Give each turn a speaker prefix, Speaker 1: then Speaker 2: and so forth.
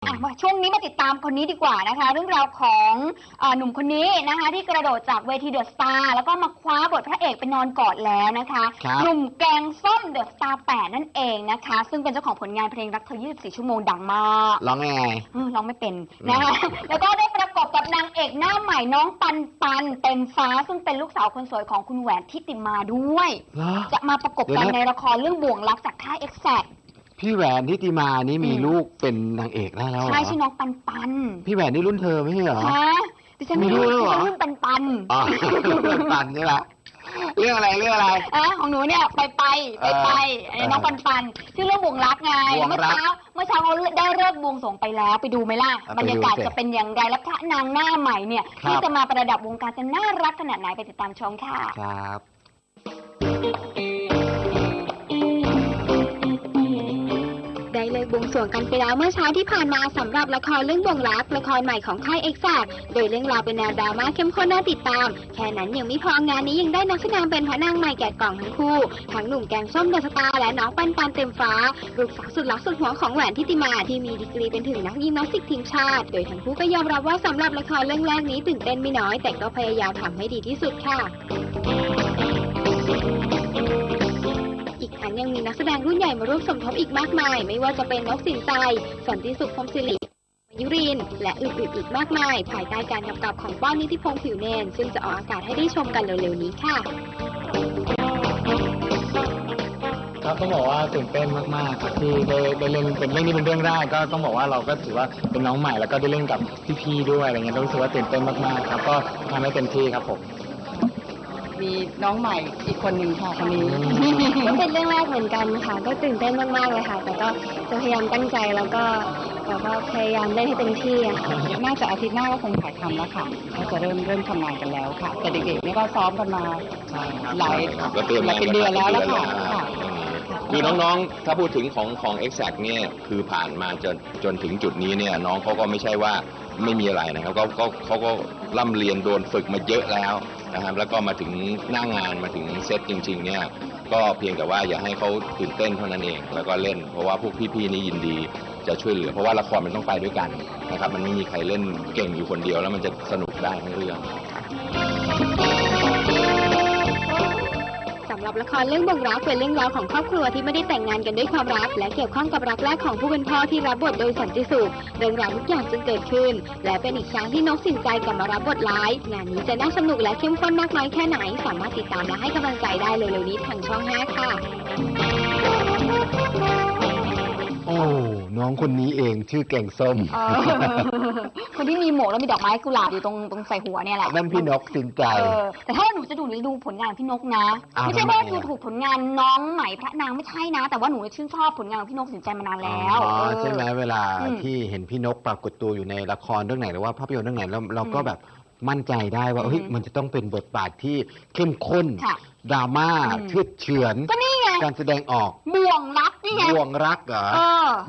Speaker 1: ช่วงนี้มาติดตามคนนี้ดีกว่านะคะเรื่องราวของหนุ่มคนนี้นะคะที่กระโดดจากเวทีเดอะสตาร์แล้วก็มาคว้าบทพระเอกไปนอนกอดแล้วนะคะหนุ่มแกงส้มเดอะสตาร์8นั่นเองนะคะซึ่งเป็นเจ้าของผลงานเพลงรักเธอ24ชั่วโมงดังมาก
Speaker 2: ร้องไง
Speaker 1: ร้องไม่เป็นนะคะแล้วก็ได้ประกอบกับนางเอกหน้าใหม่น้องปันปันเต็มฟ้าซึ่งเป็นลูกสาวคนสวยของคุณแหวนทิติมาด้วยจะมาประกบกันในละครเรื่องบ่วงรักจากค่าย Exact
Speaker 2: พี่แหวนทิติมานี่มีลูกเป็นนางเอกได้แล้ว
Speaker 1: ใช่ชื่อน้องปันปัน
Speaker 2: พี่แหวนนี่รุ่นเธอไม่ใช่เหรอ
Speaker 1: ฮะดิฉันมีลูกรุ่นปันปัน
Speaker 2: ปันปันใช่ไหมเรื่องอะไร
Speaker 1: ของหนูเนี่ยไปน้องปันปันชื่อเรื่องบ่วงรักไงเมื่อเช้าเขาได้เลิกบวงสรวงไปแล้วไปดูไหมล่ะบรรยากาศจะเป็นอย่างไรและพระนางหน้าใหม่เนี่ยที่จะมาประดับวงการจะน่ารักขนาดไหนไปติดตามชมค่ะ
Speaker 2: ครับ
Speaker 3: ได้เลยบวงสรวงกันไปแล้วเมื่อเช้าที่ผ่านมาสำหรับละครเรื่องบ่วงรักละครใหม่ของค่าย Exact โดยเรื่องราวเป็นแนวดราม่าเข้มข้นน่าติดตามแค่นั้นยังไม่พองานนี้ยังได้นักแสดงเป็นพระนางใหม่แกะกล่องทั้งคู่ทั้งหนุ่มแกงส้มเดอะสตาร์และน้องปันปันเต็มฟ้าลูกสาวสุดรักสุดหวงของแหวนทิติมาที่มีดีกรีเป็นถึงนักยิมนาสติกทีมชาติโดยทั้งคู่ก็ยอมรับว่าสำหรับละครเรื่องแรกนี้ตื่นเต้นไม่น้อยแต่ก็พยายามทำให้ดีที่สุดค่ะยังมีนักแสดงรุ่นใหญ่มาร่วมสมทบอีกมากมายไม่ว่าจะเป็นนกสินใจสันติสุขพรหมศิริยุรินทร์และอื่นๆอีกมากมายภายใต้การกำกับของป้อนนิติพงษ์ผิวเนนซึ่งจะออกอากาศให้ได้ชมกันเร็วๆนี้ค่ะ
Speaker 4: ครับต้องบอกว่าตื่นเต้นมากๆครับที่ได้เล่นเป็นเรื่องนี้เป็นเรื่องแรกก็ต้องบอกว่าเราก็ถือว่าเป็นน้องใหม่แล้วก็ได้เล่นกับพี่ๆด้วยอะไรเงี้ยรู้สึกว่าตื่นเต้นมากๆครับก็ทำให้เต็มที่ครับผม
Speaker 5: มีน้องใหม่อีกคนหนึ่งค่ะคนนี้
Speaker 3: ก็เป็นเรื่องแรกเหมือนกันค่ะก็ตื่นเต้นมากๆเลยค่ะแต่ก็จะพยายามตั้งใจแล้วก็พยายามเล่นให้เต็มที่ค่ะ
Speaker 5: น่าจะอาทิตย์หน้าก็คงถ่ายทำแล้วค่ะก็จะเริ่มทำงานกันแล้วค่ะแต่เด็กๆนี่ก็ซ้อมกันมาหลายเป็นเดือนแล้วค่ะ
Speaker 6: คือน้องๆถ้าพูดถึงของ Exact เนี่ยคือผ่านมาจนถึงจุดนี้เนี่ยน้องเขาก็ไม่ใช่ว่าไม่มีอะไรนะครับเขาก็ร่ำเรียนโดนฝึกมาเยอะแล้วนะครับแล้วก็มาถึงหน้างานมาถึงเซตจริงๆเนี่ยก็เพียงแต่ว่าอย่าให้เขาตื่นเต้นเท่านั้นเองแล้วก็เล่นเพราะว่าพวกพี่ๆนี่ยินดีจะช่วยเหลือเพราะว่าละครมันต้องไปด้วยกันนะครับมันไม่มีใครเล่นเก่งอยู่คนเดียวแล้วมันจะสนุกได้ทั้งเรื่อง
Speaker 3: สำหรับละครเรื่องบ่วงรักเป็นเรื่องราวของครอบครัวที่ไม่ได้แต่งงานกันด้วยความรักและเกี่ยวข้องกับรักแรกของผู้เป็นพ่อที่รับบทโดยสันติสุขเรื่องราวทุกอย่างจึงเกิดขึ้นและเป็นอีกครั้งที่นกสินใจกลับมารับบทร้ายงานนี้จะน่าสนุกและเข้มข้นมากน้อยแค่ไหนสามารถติดตามและให้กำลังใจได้เร็วๆนี้ทางช่อง 5ค่ะ
Speaker 2: โอ้น้องคนนี้เองชื่อแกงส้ม
Speaker 1: คนที่มีหมวกแล้วมีดอกไม้กุหลาบอยู่ตรงใส่หัวเนี่ยแหละ
Speaker 2: นั่นพี่นกสินใจ
Speaker 1: แต่ถ้าหนูจะดูผลงานพี่นกนะไม่ใช่ว่าดูถูกผลงานน้องใหม่พระนางไม่ใช่นะแต่ว่าหนูชื่นชอบผลงานของพี่นกสินใจมานานแล้ว
Speaker 2: ใช่ไหมเวลาที่เห็นพี่นกปรากฏตัวอยู่ในละครเรื่องไหนหรือว่าภาพยนตร์เรื่องไหนแล้วเราก็แบบมั่นใจได้ว่ามันจะต้องเป็นบทบาทที่เข้มข้นดราม่าเฉื่อยก็นี่ไงการแสดงออก
Speaker 1: บ่วงรักนี่ไง
Speaker 2: บ่วงรักเหรอ